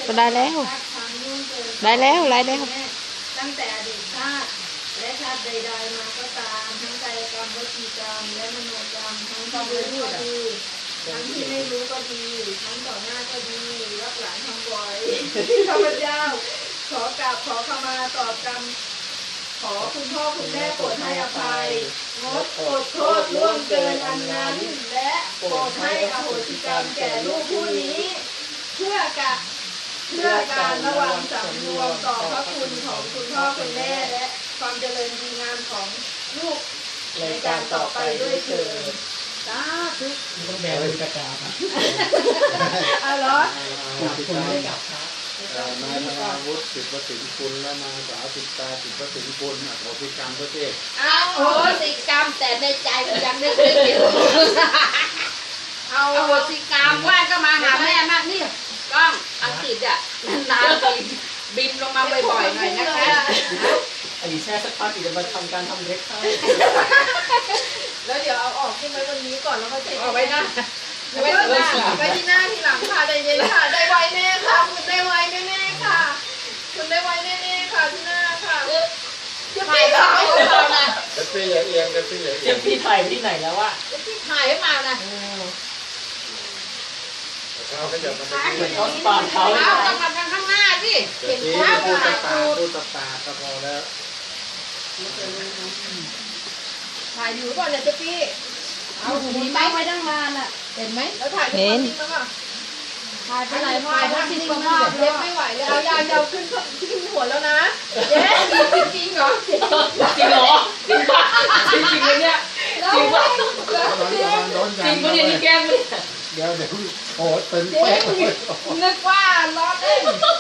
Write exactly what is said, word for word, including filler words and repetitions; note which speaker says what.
Speaker 1: ก็ได้แล้วได้แล้วได้แล้ว
Speaker 2: ตั้งแต่อดีตชาติและชาติใดๆมาก็ตามทั้งกายกรรมวจีกรรมและมโนกรรมทั้งที่รู้ก็ดีทั้งที่ไม่รู้ก็ดีทั้งต่อหน้าก็ดีรับหลังทำบ่อยข้าพเจ้าขอกราบขอขมาต่อกรรมขอคุณพ่อคุณแม่โปรดให้อภัยงดอดโทษล่วงเกินอันนั้นและโปรดให้อโหสิกรรมแก่ลูกผู้นี้เพื่อกะเพื่อการระวังสำรวมต่อพระคุณของคุณพ่อคุณแม่และความเจริญดีงามของลูกในการต่อไปด้วยเถิดสาธุ
Speaker 3: ต้องแบกกระจาบอ่ะ
Speaker 2: อ๋อเหรอ
Speaker 3: คุณไม่กลับครับ
Speaker 4: นายธนาวุฒิสิทธิประสิทธิคุณและนางสาวสิตาสิทธิประสิทธิคุณอโหสิกรรมประเทศ
Speaker 2: เอาโหสิกรรมแต่ในใจมันยังนึกไม่อยู่เอาโหสิกรรมว่าก็มาหาแม่มากนี่กล้องอังกฤษอ่ะนานๆบินบินลงมาบ่อยๆหน่อยนะคะ
Speaker 3: ไอ้แช่สักพักจะมาทำการทำเล็กให้
Speaker 2: แล้วเดี๋ยวเอาออกขึ้นไว้วันนี้ก่อนแล้วก็เช็คเอาไว้นะไว้ที่หน้าไว้ที่หน้าทีหลังค่ะใจเย็นค่ะได้ไวแน่ค่ะคุณได้ไวแน่ๆค่ะคุณได้ไวแน่ๆค่ะที่หน้าค่ะจะปีถ่ายให้เรานะ
Speaker 4: จะปีอย่าเอียงจะปีอย่าเอียง
Speaker 3: จะปีถ่ายที่ไหนแล้ววะ
Speaker 2: จะปีถ่ายให้มานะ
Speaker 4: เขาก็จะมา
Speaker 3: เหมือนเขาปาดเขา
Speaker 2: เอาต้องมาทางข้างหน้าสิ
Speaker 4: เห็นภาพพูดตาพูดตาก็พอแล้ว
Speaker 2: ถ่ายอยู่ก่อนเนี่ยจะปีเอาหูนี้ไว้ตั้งนานอ่ะเห็นไหมแล้วถ่ายเป็นคนจริงมั้งอ่ะถ่ายไปไหนมาถ่ายจริงมากเล็บไม่ไหวเลยเอายาวยาวขึ้นขึ้นหัวแล้วนะเย้จริงจริงเหรอ
Speaker 3: จริงเหรอจริงป่ะจริงจริงเลยเนี่ยจริงป่ะจริงป่ะเนี่ยนี่แก้มเลย
Speaker 4: เดี๋ยวเดี๋ยวโอ้ตึงเป๊ะ
Speaker 2: นึกว่าล้อเล่น